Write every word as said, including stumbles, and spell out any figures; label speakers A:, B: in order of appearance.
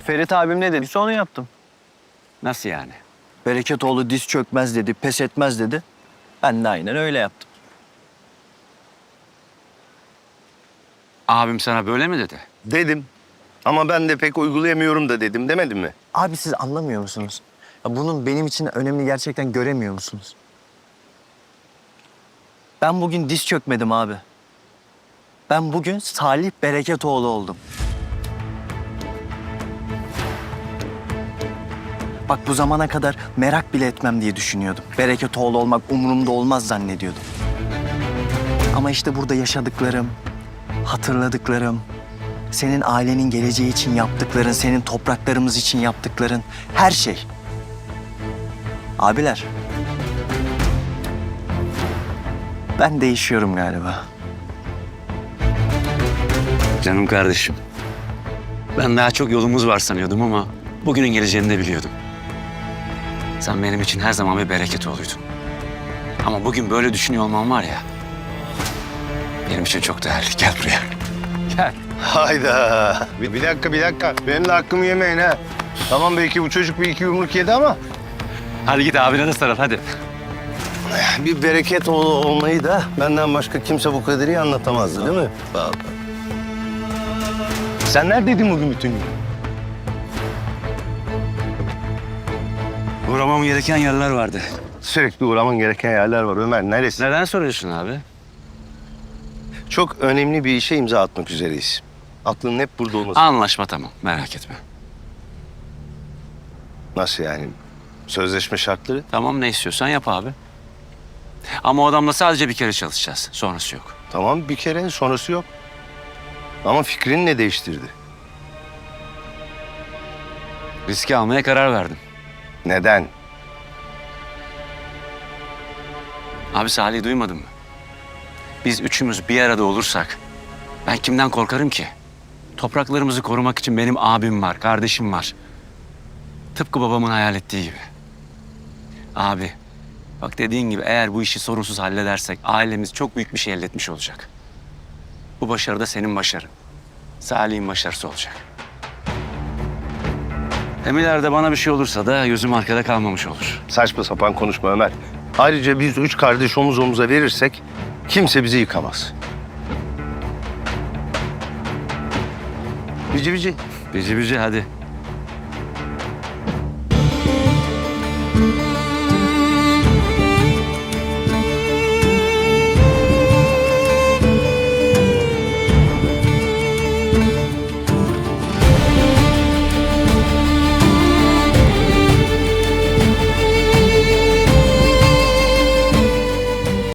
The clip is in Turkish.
A: Ferit abim ne dediyse onu yaptım.
B: Nasıl yani?
A: Bereketoğlu diz çökmez dedi, pes etmez dedi. Ben de aynen öyle yaptım.
B: Abim sana böyle mi dedi?
C: Dedim. Ama ben de pek uygulayamıyorum da dedim, demedim mi?
A: Abi siz anlamıyor musunuz? Ya bunun benim için önemli gerçekten göremiyor musunuz? Ben bugün diz çökmedim abi. Ben bugün Salih Bereketoğlu oldum. Bak bu zamana kadar merak bile etmem diye düşünüyordum. Bereketoğlu olmak umurumda olmaz zannediyordum. Ama işte burada yaşadıklarım, hatırladıklarım, senin ailenin geleceği için yaptıkların, senin topraklarımız için yaptıkların, her şey. Abiler, ben değişiyorum galiba.
B: Canım kardeşim. Ben daha çok yolumuz var sanıyordum ama bugünün geleceğini de biliyordum. Sen benim için her zaman bir bereket oluydun. Ama bugün böyle düşünüyor olman var ya, benim için çok değerli. Gel buraya. Gel.
C: Hayda. Bir, bir dakika, bir dakika. Benim de hakkımı yemeyin ha. Tamam belki bu çocuk bir iki yumruk yedi ama...
B: Hadi git abine de sarıl hadi.
C: Bir bereket oğlu olmayı da benden başka kimse bu kadar iyi anlatamazdı değil mi? Vallahi. Sen neredeydin bugün bütün gün?
B: Uğramam gereken yerler vardı.
C: Sürekli uğraman gereken yerler var Ömer. Neresi?
B: Neden soruyorsun abi?
C: Çok önemli bir işe imza atmak üzereyiz. Aklının hep burada olması.
B: Anlaşma tamam, merak etme.
C: Nasıl yani? Sözleşme şartları?
B: Tamam, ne istiyorsan yap abi. Ama o adamla sadece bir kere çalışacağız. Sonrası yok.
C: Tamam bir kere sonrası yok. Ama fikrini ne değiştirdi?
B: Riski almaya karar verdim.
C: Neden?
B: Abi Salih'i duymadın mı? Biz üçümüz bir arada olursak ben kimden korkarım ki? Topraklarımızı korumak için benim abim var, kardeşim var. Tıpkı babamın hayal ettiği gibi. Abi, bak dediğin gibi eğer bu işi sorunsuz halledersek ailemiz çok büyük bir şey elde etmiş olacak. Bu başarı da senin başarın. Salih'in başarısı olacak. Hem ileride bana bir şey olursa da gözüm arkada kalmamış olur.
C: Saçma sapan konuşma Ömer. Ayrıca biz üç kardeş omuz omuza verirsek kimse bizi yıkamaz. Bici bici.
B: Bici bici hadi.